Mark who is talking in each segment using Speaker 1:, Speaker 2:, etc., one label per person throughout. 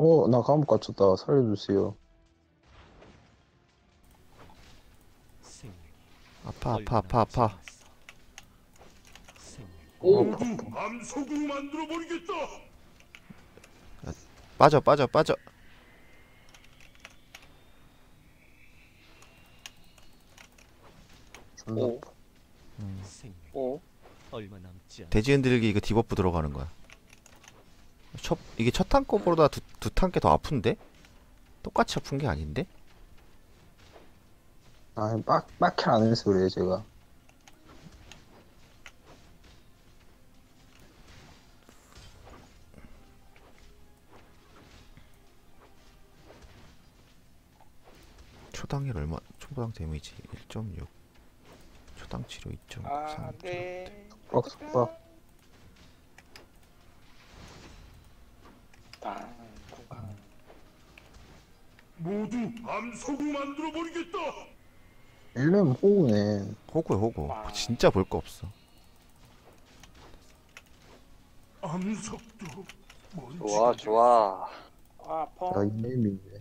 Speaker 1: 나 감옥 갇혔다. 살려주세요.
Speaker 2: 아파 아파 아파 아파.
Speaker 3: 오,
Speaker 1: 아파.
Speaker 4: 암석으로 만들어 버리겠다.
Speaker 2: 빠져 빠져 빠져.
Speaker 1: 존나
Speaker 3: 오.
Speaker 1: 아파.
Speaker 3: 오.
Speaker 4: 얼마 남지 않.
Speaker 2: 돼지 흔들기 이거 디버프 들어가는 거야. 이게 첫 탄 거보다 두 탄 게 더 아픈데? 똑같이 아픈 게 아닌데?
Speaker 1: 빡킬 안 해서 그래요, 제가.
Speaker 2: 초당일 얼마? 초당 데미지 1.6. 초당 치료 2.3.
Speaker 3: 아, 네.
Speaker 1: 속박.
Speaker 3: 당, 공간.
Speaker 4: 모두 암석으로 만들어 버리겠다.
Speaker 1: 일렘 호구네.
Speaker 2: 호구야 호구.
Speaker 3: 와.
Speaker 2: 진짜 볼 거 없어.
Speaker 4: 암석도
Speaker 3: 좋아, 좋아. 아,
Speaker 1: 야,
Speaker 3: 펑.
Speaker 1: 이nem이네.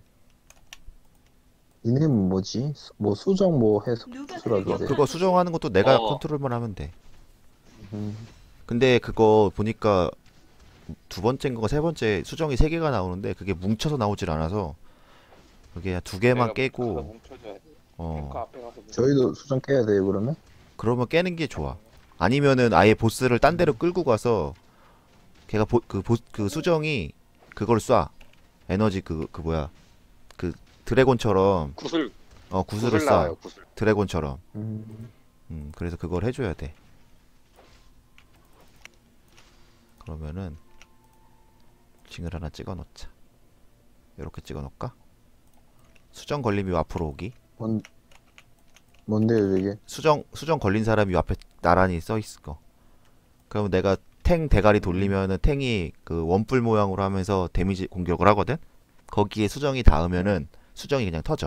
Speaker 1: 이nem은 뭐지? 뭐 수정 뭐 해서 수락이래.
Speaker 2: 그거 수정하는 것도 내가
Speaker 3: 어.
Speaker 2: 컨트롤만 하면 돼.
Speaker 1: 음.
Speaker 2: 근데 그거 보니까 두 번째인가 세 번째 수정이 세 개가 나오는데 그게 뭉쳐서 나오질 않아서 그게 두 개만 깨고
Speaker 3: 뭉쳐줘야 돼. 탱크
Speaker 2: 어
Speaker 3: 앞에 가서 뭉쳐.
Speaker 1: 저희도 수정 깨야 돼요, 그러면?
Speaker 2: 그러면 깨는 게 좋아. 아니면은 아예 보스를 딴 데로 끌고 가서 걔가 그 수정이 그걸 쏴. 에너지 그 뭐야 그 드래곤처럼
Speaker 3: 구슬,
Speaker 2: 구슬을
Speaker 3: 구슬 나와요,
Speaker 2: 쏴.
Speaker 3: 구슬.
Speaker 2: 드래곤처럼.
Speaker 1: 음.
Speaker 2: 그래서 그걸 해줘야 돼. 그러면은 징을 하나 찍어 놓자. 이렇게 찍어 놓을까? 수정 걸림이 앞으로 오기.
Speaker 1: 뭔데요, 저게?
Speaker 2: 수정 걸린 사람이 앞에 나란히 써 있을 거. 그러면 내가 탱 대가리 돌리면은 탱이 그 원뿔 모양으로 하면서 데미지 공격을 하거든. 거기에 수정이 닿으면은 수정이 그냥 터져.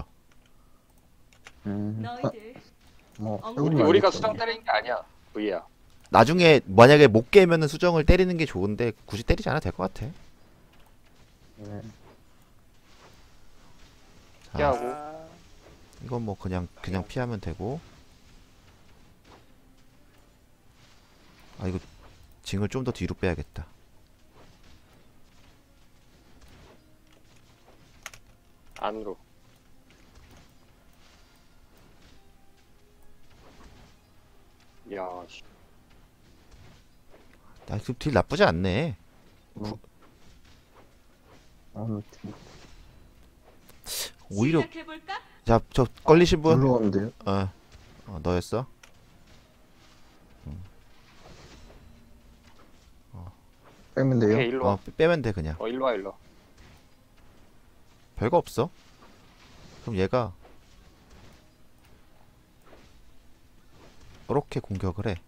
Speaker 5: 너희들
Speaker 1: 뭐,
Speaker 3: 우리가 수정 때리는 게 아니야. V야.
Speaker 2: 나중에 만약에 못 깨면은 수정을 때리는 게 좋은데 굳이 때리지 않아도 될 것 같아.
Speaker 1: 네.
Speaker 2: 자,
Speaker 3: 피하고.
Speaker 2: 이건 뭐 그냥 피하면 되고. 아 이거 징을 좀 더 뒤로 빼야겠다.
Speaker 3: 안으로. 야, 씨.
Speaker 2: 딜 나쁘지 않네. 오히려
Speaker 5: 시작해볼까?
Speaker 2: 자 저 걸리신 분?
Speaker 1: 눌러 가면 돼요?
Speaker 2: 너였어?
Speaker 1: 빼면 돼요?
Speaker 3: 오케이, 일로 와.
Speaker 2: 빼면 돼 그냥.
Speaker 3: 일로 와, 일로 와.
Speaker 2: 별거 없어. 그럼 얘가 이렇게 공격을 해.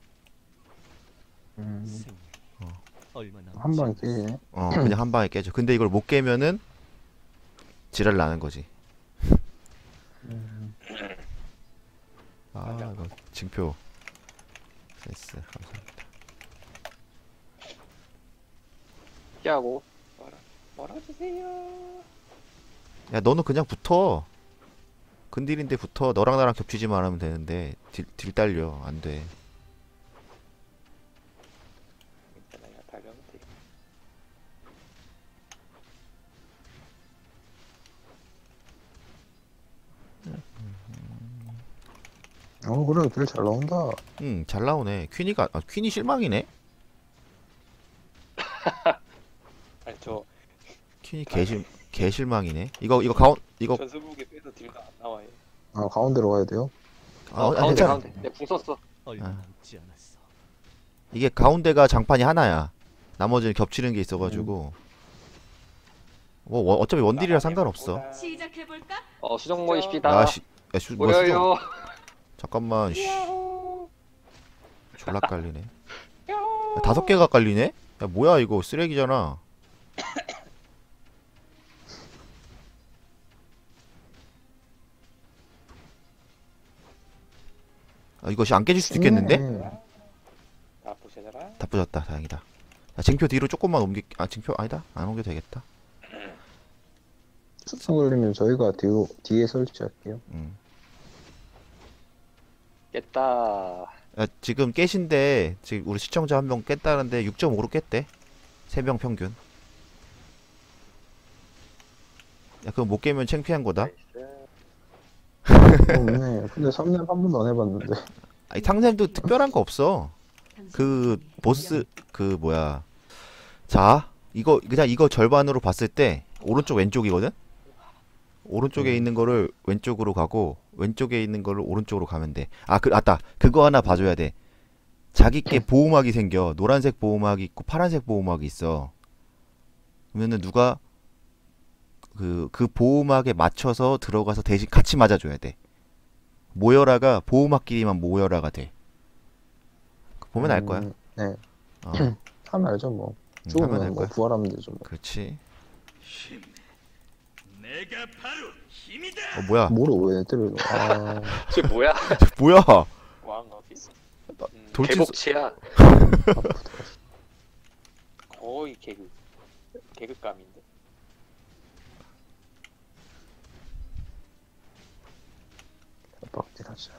Speaker 4: 얼마 남지
Speaker 1: 한 방에
Speaker 4: 않았어.
Speaker 1: 깨지네.
Speaker 2: 그냥 한 방에 깨져. 근데 이걸 못 깨면은 지랄 나는 거지. 이거 징표. 됐어. 감사합니다.
Speaker 3: 피하고. 말아주세요.
Speaker 2: 야 너는 그냥 붙어. 근딜인데 붙어. 너랑 나랑 겹치지만 하면 되는데 딜 딸려. 안 돼.
Speaker 3: 일단 내가 달려면 돼.
Speaker 1: 그래, 딜 잘 나온다.
Speaker 2: 잘 나오네. 퀸이 실망이네.
Speaker 3: 아니, 저
Speaker 2: 퀸이 개실망이네. 이거
Speaker 3: 전수북에 빼서 딜도 안 나와요.
Speaker 1: 가운데로 가야 돼요?
Speaker 3: 가운데,
Speaker 2: 괜찮아.
Speaker 3: 가운데. 내가 궁 썼어.
Speaker 4: 얼마
Speaker 2: 아.
Speaker 4: 남지 않았어.
Speaker 2: 이게 가운데가 장판이 하나야. 나머지는 겹치는 게 있어가지고 뭐 어차피 원딜이라 상관없어.
Speaker 5: 시작해볼까?
Speaker 3: 수정 모이십시다.
Speaker 2: 뭐 수정.
Speaker 3: 모여요.
Speaker 2: 잠깐만. 졸라 깔리네. 야, 5개가 깔리네? 야 뭐야 이거 쓰레기잖아. 이것이 안 깨질 수도 있겠는데?
Speaker 3: 다 부셔져라.
Speaker 2: 다 부졌다. 다행이다. 징표 뒤로 조금만 징표 아니다. 안 옮겨도 되겠다.
Speaker 1: 수상 걸리면 저희가 뒤에 설치할게요.
Speaker 3: 깼다.
Speaker 2: 야, 지금 깨신데 지금 우리 시청자 한 명 깼다는데 6.5로 깼대. 3명 평균. 야, 그거 못 깨면 창피한 거다.
Speaker 3: 나이스.
Speaker 1: 없네. 근데 3년 한 번도 안 해봤는데.
Speaker 2: 아니, 상샘도 특별한 거 없어. 그 보스 그 뭐야. 자, 이거 절반으로 봤을 때 오른쪽 왼쪽이거든. 오른쪽에 있는 거를 왼쪽으로 가고 왼쪽에 있는 거를 오른쪽으로 가면 돼. 맞다. 그거 하나 봐줘야 돼. 자기께 보호막이 생겨. 노란색 보호막이 있고 파란색 보호막이 있어. 그러면은 누가 그 보호막에 맞춰서 들어가서 대신 같이 맞아줘야 돼. 모여라가 보호막끼리만 모여라가 돼. 보면 알 거야.
Speaker 1: 네.
Speaker 2: 어,
Speaker 1: 하면 알죠 뭐.
Speaker 2: 하면
Speaker 1: 죽으면
Speaker 2: 알
Speaker 1: 뭐
Speaker 2: 거야.
Speaker 1: 부활하면 되죠 뭐.
Speaker 2: 그렇지.
Speaker 4: 내가 바로 힘이다.
Speaker 2: 뭐야?
Speaker 1: 뭐를 왜 때려요? 아,
Speaker 3: 쟤 뭐야?
Speaker 2: 뭐야?
Speaker 3: 뭐한 거지?
Speaker 2: 돌진
Speaker 3: 개복치야. 거의 개그감인데.
Speaker 1: 빡딜하자.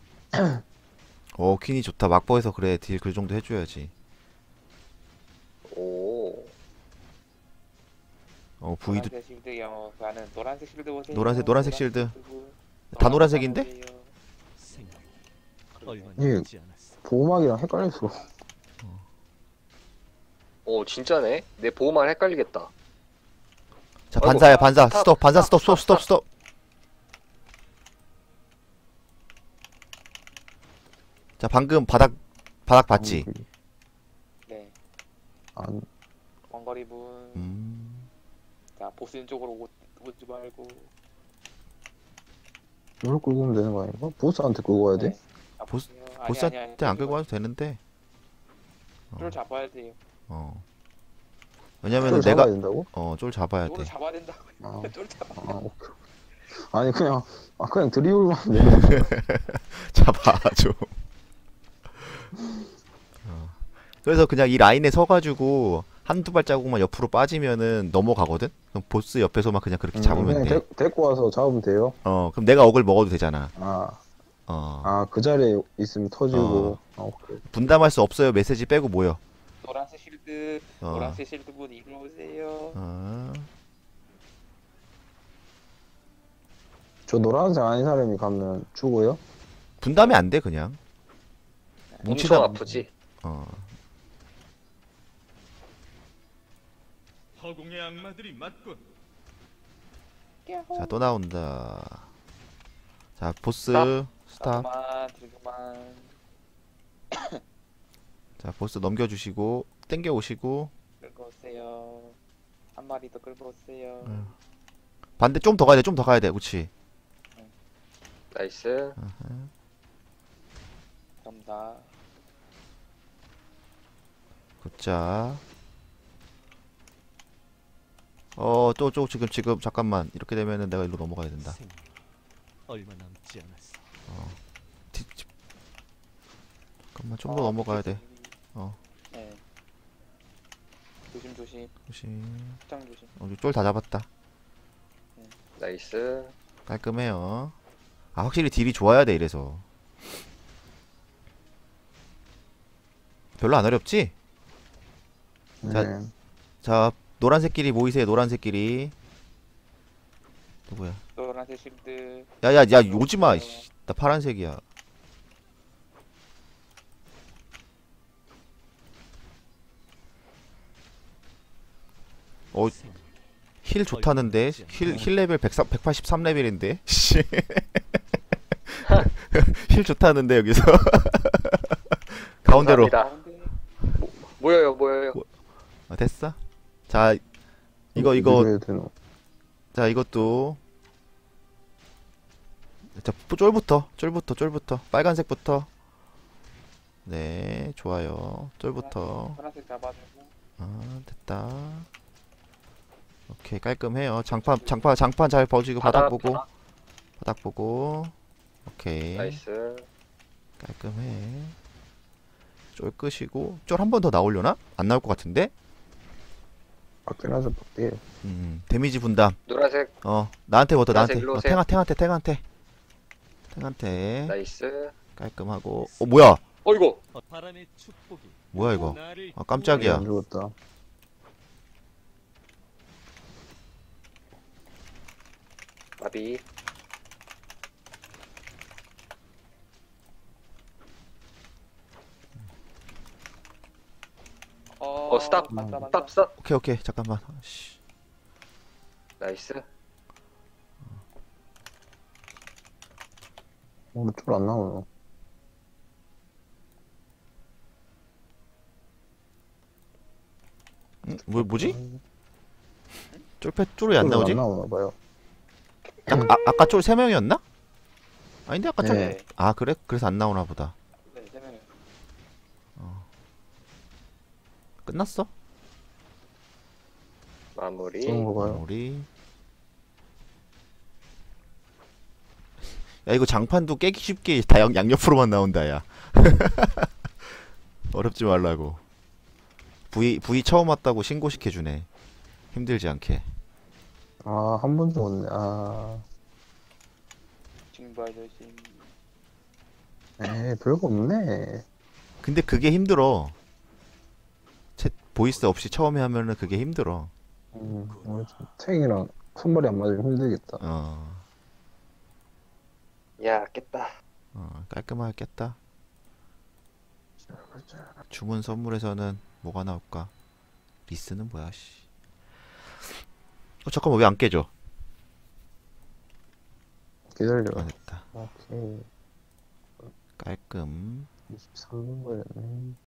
Speaker 2: 퀸이 좋다. 막버에서 그래. 딜 그 정도 해줘야지.
Speaker 3: 오.
Speaker 2: V도
Speaker 3: 노란색 실드 영어 가는 노란색 실드 보세요.
Speaker 2: 노란색 실드.
Speaker 3: 분.
Speaker 2: 다 노란색인데?
Speaker 3: 보세요.
Speaker 4: 생각 얼마
Speaker 1: 예.
Speaker 4: 남지 않았어.
Speaker 1: 보호막이랑 헷갈려서.
Speaker 5: 오 진짜네. 내 보호만 헷갈리겠다.
Speaker 2: 자,
Speaker 5: 아이고.
Speaker 2: 반사야, 반사.
Speaker 3: 스탑,
Speaker 2: 스톱, 반사,
Speaker 3: 스탑,
Speaker 2: 스톱, 스톱, 스톱, 스톱. 자, 방금 바닥 봤지?
Speaker 3: 네.
Speaker 1: 안,
Speaker 3: 원거리 분. 자 보스 쪽으로 오지 말고.
Speaker 1: 이걸 끌고 오면 되는 거 아닌가? 보스한테 끌고 와야 돼?
Speaker 3: 네. 아,
Speaker 2: 보스-
Speaker 3: 보세요.
Speaker 2: 보스한테 안 끌고 와도 되는데.
Speaker 3: 쫄 잡아야 돼요.
Speaker 2: 왜냐면은
Speaker 1: 쫄
Speaker 2: 내가
Speaker 1: 잡아야 된다고?
Speaker 2: 쫄 잡아야
Speaker 3: 쫄을
Speaker 2: 돼.
Speaker 3: 잡아야 된다고.
Speaker 1: 아,
Speaker 3: 쫄 잡아.
Speaker 1: 오케이. 아니 그냥 드리블만 하면 되는 거야.
Speaker 2: 잡아줘. 그래서 그냥 이 라인에 서가지고 한두 발자국만 옆으로 빠지면은 넘어가거든? 그럼 보스 옆에서만 그냥 그렇게 잡으면 돼.
Speaker 1: 데리고 와서 잡으면 돼요.
Speaker 2: 그럼 내가 억을 먹어도 되잖아.
Speaker 1: 그 자리에 있으면 터지고. 오케이.
Speaker 2: 분담할 수 없어요. 메시지 빼고 모여.
Speaker 3: 노란색 실드. 노란색 실드 분 이리로 오세요.
Speaker 1: 저 노란색 아닌 사람이 가면 죽어요?
Speaker 2: 분담이 안 돼, 그냥.
Speaker 5: 엄청 아프지.
Speaker 4: 허공의 악마들이 맞군.
Speaker 2: 자, 또 나온다. 자, 보스 스탑.
Speaker 3: 그만 들그만.
Speaker 2: 자, 보스 넘겨주시고 땡겨 오시고
Speaker 3: 끌고 오세요. 한 마리 더 끌고 오세요.
Speaker 2: 반대 좀 더 가야 돼. 좀 더 가야 돼. 그렇지.
Speaker 5: 나이스.
Speaker 3: 그럼 다.
Speaker 2: 굿자. 또 지금 잠깐만. 이렇게 되면은 내가 일로 넘어가야 된다.
Speaker 4: 생각 얼마 남지 않았어.
Speaker 2: 잠깐만 좀 더 넘어가야 돼.
Speaker 3: 네. 조심 조심.
Speaker 2: 조심.
Speaker 3: 확장 조심.
Speaker 2: 쫄 다 잡았다.
Speaker 5: 나이스.
Speaker 2: 깔끔해요. 확실히 딜이 좋아야 돼 이래서. 별로 안 어렵지? 자,
Speaker 1: 네.
Speaker 2: 자, 노란색끼리 모이세요. 노란색끼리. 누구야?
Speaker 3: 노란색 실드.
Speaker 2: 야야야, 오지마. 이씨. 나 파란색이야.
Speaker 4: 생각
Speaker 2: 힐 좋다는데. 힐 레벨 183레벨인데. 씨. 힐 좋다는데 여기서. 가운데로.
Speaker 5: 감사합니다. 모여요.
Speaker 2: 됐어? 자, 이거
Speaker 1: 해야 되나?
Speaker 2: 자, 이것도 자, 쫄부터 빨간색부터. 네, 좋아요. 쫄부터.
Speaker 3: 파란색 잡아주고.
Speaker 2: 됐다. 오케이, 깔끔해요. 장판 잘 버지고 바닥 보고. 오케이.
Speaker 5: 나이스.
Speaker 2: 깔끔해. 쫄 끄시고. 쫄 한 번 더 나오려나? 안 나올 것 같은데?
Speaker 1: 밖에나서 밖에.
Speaker 2: 데미지 분담.
Speaker 5: 노란색
Speaker 2: 나한테부터 나한테.
Speaker 5: 일로 오세요.
Speaker 2: 탱한테.
Speaker 5: 나이스.
Speaker 2: 깔끔하고. 뭐야?
Speaker 5: 어이구.
Speaker 4: 바람의 축복이
Speaker 2: 뭐야 이거?
Speaker 4: 나를
Speaker 2: 깜짝이야.
Speaker 1: 안 죽었다.
Speaker 5: 마비. 스탑.
Speaker 3: 맞다.
Speaker 5: 스탑.
Speaker 2: 오케이. 잠깐만. 씨.
Speaker 5: 나이스.
Speaker 1: 오늘 쫄안 나오노.
Speaker 2: 뭐지? 쫄이 안 나오지?
Speaker 1: 안 나오나 봐요.
Speaker 2: 아까 쫄 3명이었나? 아닌데 아까 쫄.
Speaker 1: 네.
Speaker 2: 아 그래? 그래서 안 나오나 보다.
Speaker 3: 네, 세명이.
Speaker 2: 끝났어?
Speaker 5: 마무리.
Speaker 1: 쏘는 거 봐요.
Speaker 2: 우리. 야 이거 장판도 깨기 쉽게 다 양옆으로만 나온다 야. 어렵지 말라고. V 처음 왔다고 신고시켜주네. 힘들지 않게.
Speaker 1: 아, 한 번 죽었네. 아,
Speaker 3: 징부 아저씨.
Speaker 1: 에이, 별거 없네.
Speaker 2: 근데 그게 힘들어. 보이스 없이 처음에 하면은 그게 힘들어.
Speaker 1: 오늘 좀 탱이랑 손발이 안 맞으면 힘들겠다.
Speaker 5: 야, 깼다.
Speaker 2: 깔끔하게 깼다. 주문 선물에서는 뭐가 나올까? 리스는 뭐야, 씨. 잠깐만, 왜 안 깨져?
Speaker 1: 기다려.
Speaker 2: 됐다.
Speaker 1: 오케이.
Speaker 2: 깔끔.
Speaker 1: 23분 걸렸네.